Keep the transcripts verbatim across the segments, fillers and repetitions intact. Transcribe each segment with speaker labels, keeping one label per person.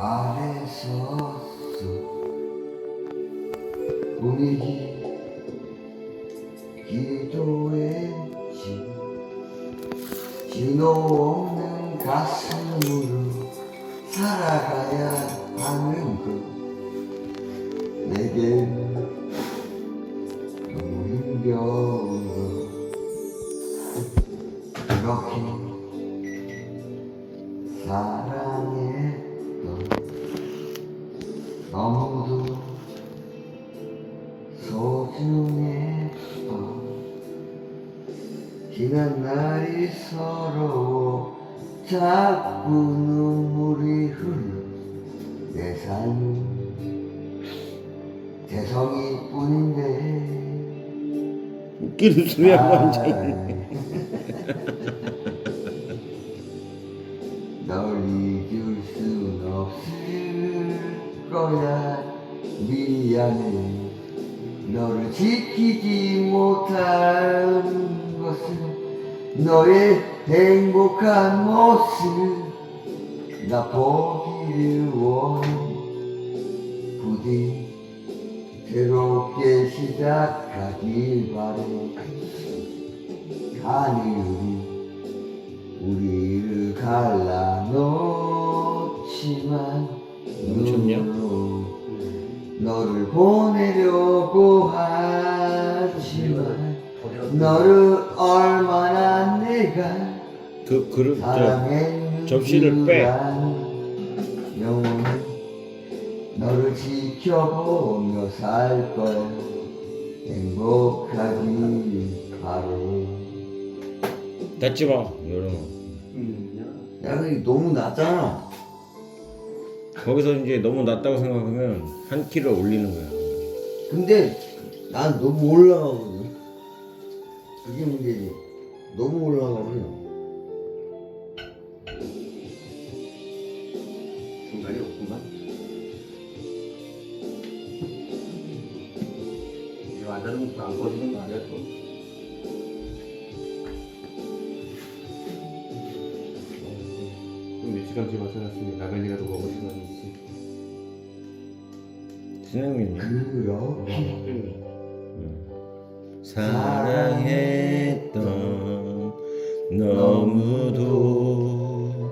Speaker 1: 아래 섰어 꿈이기 기도했지 진호 없는 가슴으로 살아가야 하는 것 내겐 너무 힘겨운 것 그렇게 사랑했던 너무도 소중했던 지난 날이 서러워 자꾸 눈물이 흘러 내 삶은 재성이뿐인데
Speaker 2: 웃기는 소리야 완전히.
Speaker 1: 널 잊을 순 없을 거야 미안해 너를 지키지 못한 것은 너의 행복한 모습 나 보기를 원해 부디 새롭게 시작하길 바래 하늘이 우리를 갈라놓지만
Speaker 2: 멈췄냐?
Speaker 1: 눈으로 너를 보내려고 하지만 너를 얼마나 내가
Speaker 2: 그 그릇 저
Speaker 1: 사랑했는지
Speaker 2: 접시를 빼.
Speaker 1: 영원히 너를 지켜보며 살 거야 행복하길 바래.
Speaker 2: 닫지 마 여름아.
Speaker 1: 야 근데 너무 낮잖아.
Speaker 2: 거기서 이제 너무 낮다고 생각하면 한 키를 올리는 거야.
Speaker 1: 근데 난 너무 올라가거든. 그게 문제지. 너무 올라가면
Speaker 3: 중간이 없구만. 이제 완전히 안 꺼지는 거 아니야 또? 몇 시간째 마셔놨으니 라면이라도 먹을 시간이 있지.
Speaker 2: 진행이네.
Speaker 1: 그렇게
Speaker 2: 사랑했던 너무도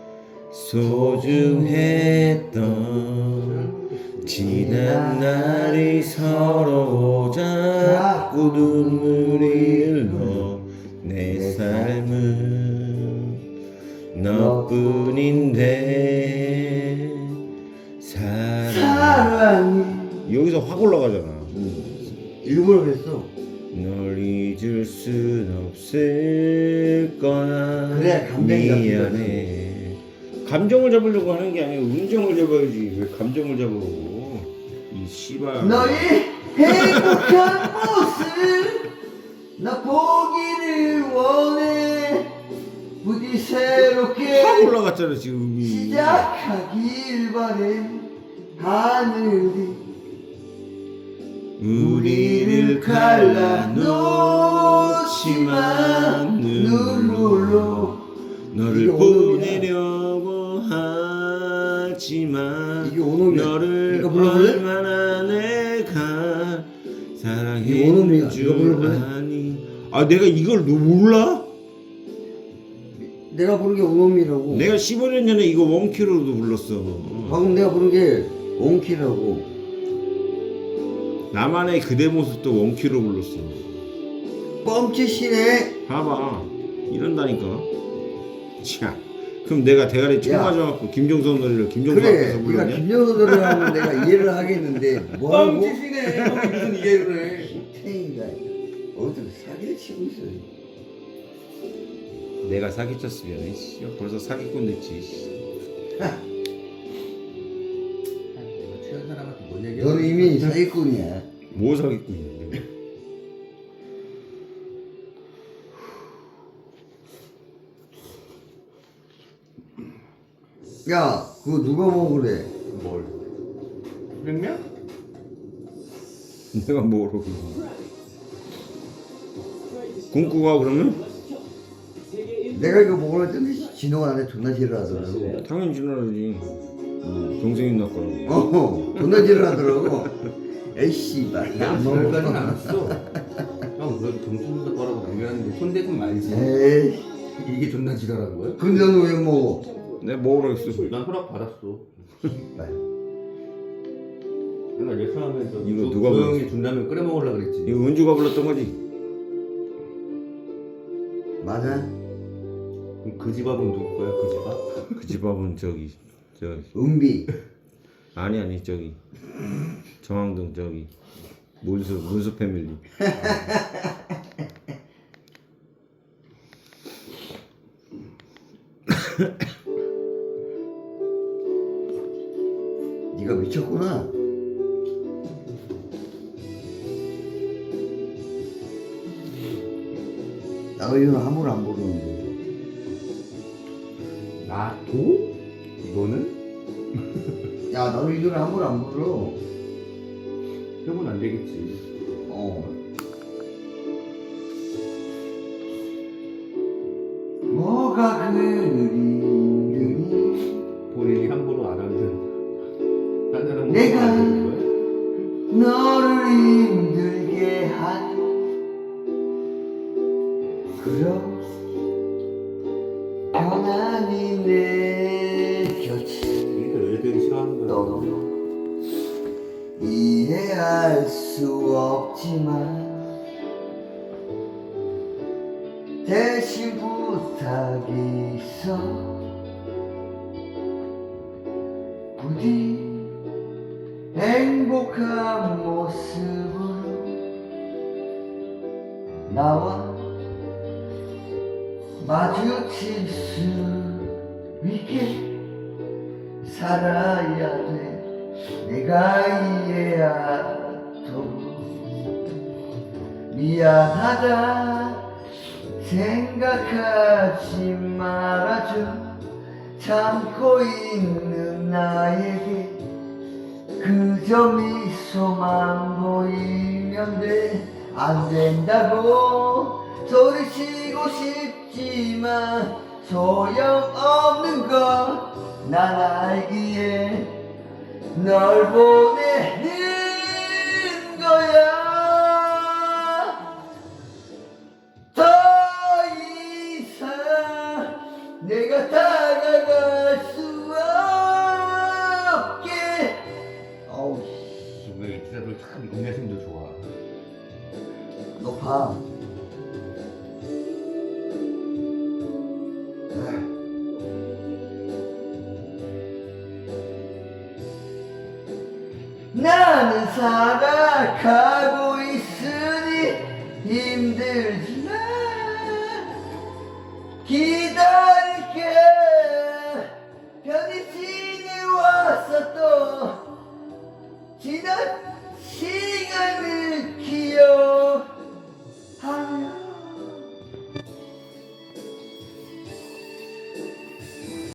Speaker 2: 소중했던 지난 날이 서러워 자꾸 눈물이 흘러 내 삶은 너뿐인데 사랑
Speaker 1: 사랑이
Speaker 2: 여기서 확 올라가잖아.
Speaker 1: 일부러 그랬어.
Speaker 2: 널 잊을 순 없을 거야.
Speaker 1: 그래, 감정이
Speaker 2: 미안해. 감정을 잡으려고 하는 게 아니고 운정을 잡아야지. 왜 감정을 잡아? 이 씨발.
Speaker 1: 너의 행복한 모습 나 보기를 원해 부디 새롭게
Speaker 2: 확 올라갔잖아 지금 음이.
Speaker 1: 시작하길 바래 하늘이
Speaker 2: 우리를 갈라놓지만 눈물로 너를
Speaker 1: 이게 오늘이야.
Speaker 2: 보내려고 하지만
Speaker 1: 이게 오늘이야.
Speaker 2: 너를
Speaker 1: 이거 불러볼래?
Speaker 2: 얼마나 내가
Speaker 1: 이게 오늘이야.
Speaker 2: 사랑했는
Speaker 1: 이거
Speaker 2: 줄
Speaker 1: 불러볼래?
Speaker 2: 아니. 아 내가 이걸 너 몰라?
Speaker 1: 내가 부른 게 오놈이라고.
Speaker 2: 내가 십오 년 전에 이거 원키로도 불렀어.
Speaker 1: 방금 내가 부른 게 원키라고.
Speaker 2: 나만의 그대 모습도 원키로 불렀어.
Speaker 1: 뻥치시네.
Speaker 2: 봐봐 이런다니까. 자 그럼 내가 대가리 총
Speaker 1: 야.
Speaker 2: 맞아갖고 김종선 노래를 김종선
Speaker 1: 그래
Speaker 2: 앞에서
Speaker 1: 네가
Speaker 2: 불렀냐?
Speaker 1: 김정수 노래 하면 내가 이해를 하겠는데 뭐라고?
Speaker 3: 뻥치시네. 무슨 이해를 해?
Speaker 1: 탱이가 어디서 사기를 치고 있어.
Speaker 2: 내가 사기쳤으면 씨, 벌써 사기꾼 됐지. 씨.
Speaker 3: 내가 취한 사람한테 뭔 얘기야?
Speaker 1: 너는 이미 사기꾼이야.
Speaker 2: 뭐 사기꾼이야?
Speaker 1: 야, 그거 누가 먹으래?
Speaker 3: 뭘? 냉면?
Speaker 2: 내가 뭐로 굶고 가 그러면?
Speaker 1: 내가 이거 먹으려 했더니 진호가 나한테 존나 싫어하더라고.
Speaker 2: 당연히 지나가지.
Speaker 1: 응.
Speaker 2: 동생이 누나 거라고.
Speaker 1: 어, 존나 지랄하더라고. 에이 씨발.
Speaker 3: 난
Speaker 1: 안
Speaker 3: 지랄까지는
Speaker 1: 먹어.
Speaker 3: 안 했어. 형 그래도 정수분석 거라고 남겼는데 손대좀 말지.
Speaker 1: 에이,
Speaker 3: 이게 존나 지랄한 거야?
Speaker 1: 근데 너 왜 먹어?
Speaker 2: 내가 먹으라 했어.
Speaker 3: 난 허락 받았어.
Speaker 1: 씨발.
Speaker 3: 맨날 예상하면서
Speaker 2: 이거
Speaker 3: 조-
Speaker 2: 누가
Speaker 3: 조용히 준다면 끓여 먹으려 그랬지.
Speaker 2: 이거 은주가 불렀던 거지?
Speaker 1: 맞아?
Speaker 3: 그럼 그 집밥은 누구 거야? 그 집밥?
Speaker 2: 그 집밥은 저기 저
Speaker 1: 은비.
Speaker 2: 아니 아니 저기 정왕동 저기 문수 문수 패밀리.
Speaker 1: 네가 미쳤구나. 나의는 함부로 안 부르는데.
Speaker 3: 나도? 이거는?
Speaker 1: 야, 나의 노래 함부로 안 부르.
Speaker 3: 해보면 안 되겠지.
Speaker 1: 어. 뭐가 그리
Speaker 3: 본인이 함부로 안 하면 딴 사람은
Speaker 1: 내가
Speaker 3: 안 되는 거야?
Speaker 1: 너를 힘들게 한 그런 편안히 내 곁에
Speaker 3: 이게 애들이 싫어하는 거야.
Speaker 1: 너무 이해할 수 없지만 대신 부탁이 있어 부디 행복한 모습으로 나와 마주칠 수 있게 살아야 돼 내가 이해하도록 미안하다 생각하지 말아줘 참고 있는 나에게 그저 미소만 보이면 돼 안 된다고 소리치고 싶지만 소용없는 걸 난 알기에 널 보내는 거야 더 이상 내가 다가갈 수 없게 어우 씨
Speaker 3: 왜 이사들 참 인내심도 좋아.
Speaker 1: 높아 나는 살아가고 있으니 힘들지만 기다려